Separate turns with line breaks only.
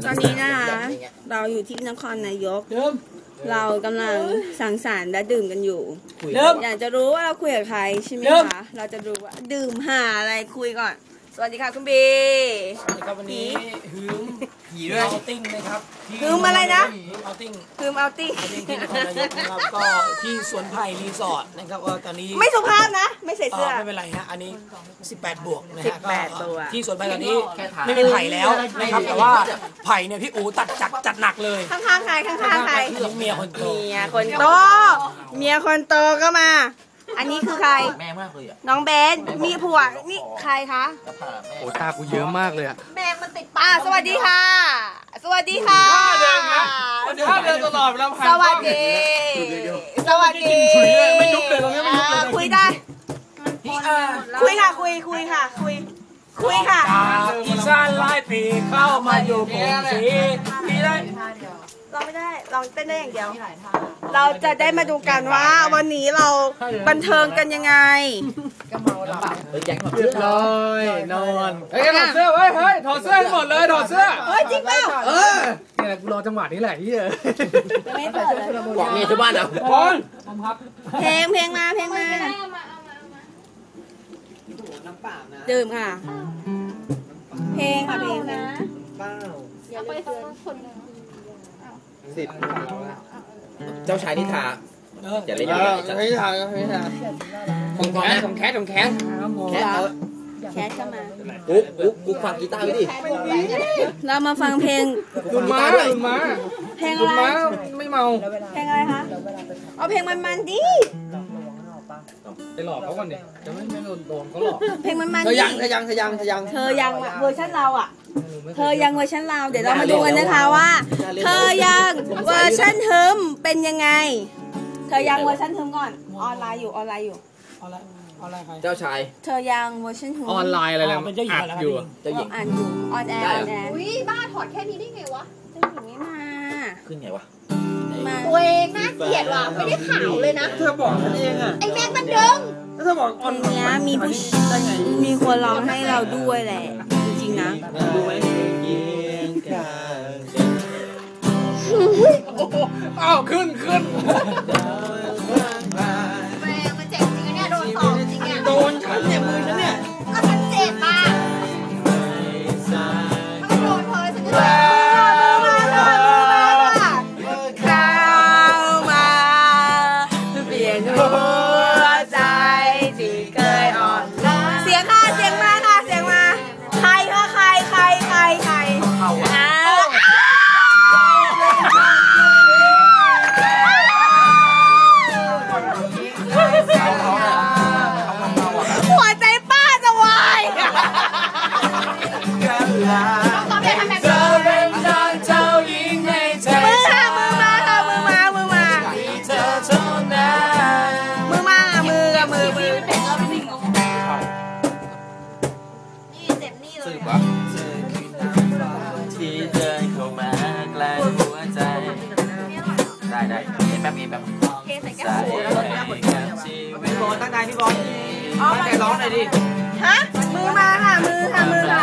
ตอนนี้นะคะเราอยู่ที่นครนายกเรากำลังสังสรรค์และดื่มกันอยู่อยากจะรู้ว่าเราคุยกับใครใช่ไหมคะเราจะรู้ว่าดื่มหาอะไรคุยก่อนสวัสดีค่ะคุณบี
สวัสดีครับวันนี้ฮืมผีด้วยเอาติ้งนะครับ
ฮืมอะไรนะ
ฮืมเอาติ้ง
ฮืมเอาติ้ง
ที่นครนายกนะครับก็ที่สวนไผ่รีสอร์ทนะครับว่าตอนนี้
ไม่สุภาพนะไม่ใส่เสื้อ
ไม่เป็นไรฮะอันนี้18บวกนะฮะ
ก็
ที่สวนไผ่ตอนนี้ไม่มีไผ่แล้วนะครับแต่ว่าไผ่เนี่ยพี่อูจัดหนักเลย
ข้างๆใครข้างๆใคร
เมียคนโต
เมียคนโตก็มาอันนี้คือใคร
แม่มากเลยอ่ะ
น้องเบนมีผัวนี่ใครคะ
โอ้ตากูเยอะมากเลยอ่ะ
แมงมันติดปากสวัสดีค่ะสวัสดีค่ะ
เดินนะเดินตลอดแล้ว
สวัสดีสวัสดี
ไม่ยุบเลยตรงนี้ไม่ยุบเลย
คุยได้คุยค่ะคุยค่ะ
อีสานไล่ปีเข้ามาอยู่กรุงศรีพี่ได้
เราไม่ได้ลองเต้นได้อย่างเดียวเราจะได้มาดูกันว่าวันนี้เราบันเทิงกันยังไง
ก็เมาหลับเรียบร้อยนอน
เฮ้ยถอดเสื้อเฮ้ยถอดเสื้อหมดเลยถอดเสื้อ
เฮ้ยจริงเปล่า
เนี่ยกูรอจังหวะนี้แหละที่
ไม่เปิดเลย
บอกเมียที่บ้านเหรอ
เพลงมาดื่มค่ะเพลงค่ะเพลงนะ
อย่าไปทั้งคน
10เจ้าชายนิทาอย่าเล่น
ไม่ทา
ผมแคส
แคสเข้ามา
กูฟังกีตาร์ดิ
เรามาฟังเพลง
คุณมา
เพลงอะไร
ไม่เมา
เพลงอะไรคะเอาเพลงมันดิ
ไปหลอกเขาก่อนดิจะไม่โดนเขาหลอก
เพลงมัน
เธอยังเ
วอร์ชันเราอ่ะเธอยังเวอร์ชันเราเดี๋ยวเรามาดูกันนะคะว่าเธอยังเวอร์ชันเทิมเป็นยังไงเธอยังเวอร์ชันเทิมก่อนออนไลน์อยู่
เจ้าชาย
เธอยังเวอร์ชันเทิม
ออนไลน์อะไรแล้วอ่านอยู่
จะหญิงอ่านอยู่ออนแอร์
อุ้ยบ้าถอดแค่นี้ได้ไงวะ
จะหญิงไม่มา
ขึ้นไงวะ
ตัวเองน่าเกลียดว่ะไม่ได้ขาวเลยนะ
เธอบอกฉันเองอ่ะ
ไอ้แม็กมันดึง
เธอบอก
เพลงนี้มีคนร้องให้เราด้วยแหละจริงๆนะ
ดูไหม
อ้าวขึ้น
แรงมันเจ็บจริงเนี่ยโดนสอบจริงเนี่ย
โดนฉันเนี่ยมือฉันเนี่ย
ก็ฉันเจ็บอ่ะถ้าโดนเธอฉันจะ
เข้ามาเปลี่ยนหัวใจที่เคยอ่อนเสียงมาใครหัวใจป้าจะวาย
ได้แบบพี่บอลตั้งใจพี่บอลตั้งใจร้องหน่อยดิ
ฮะมือมาค่ะมือ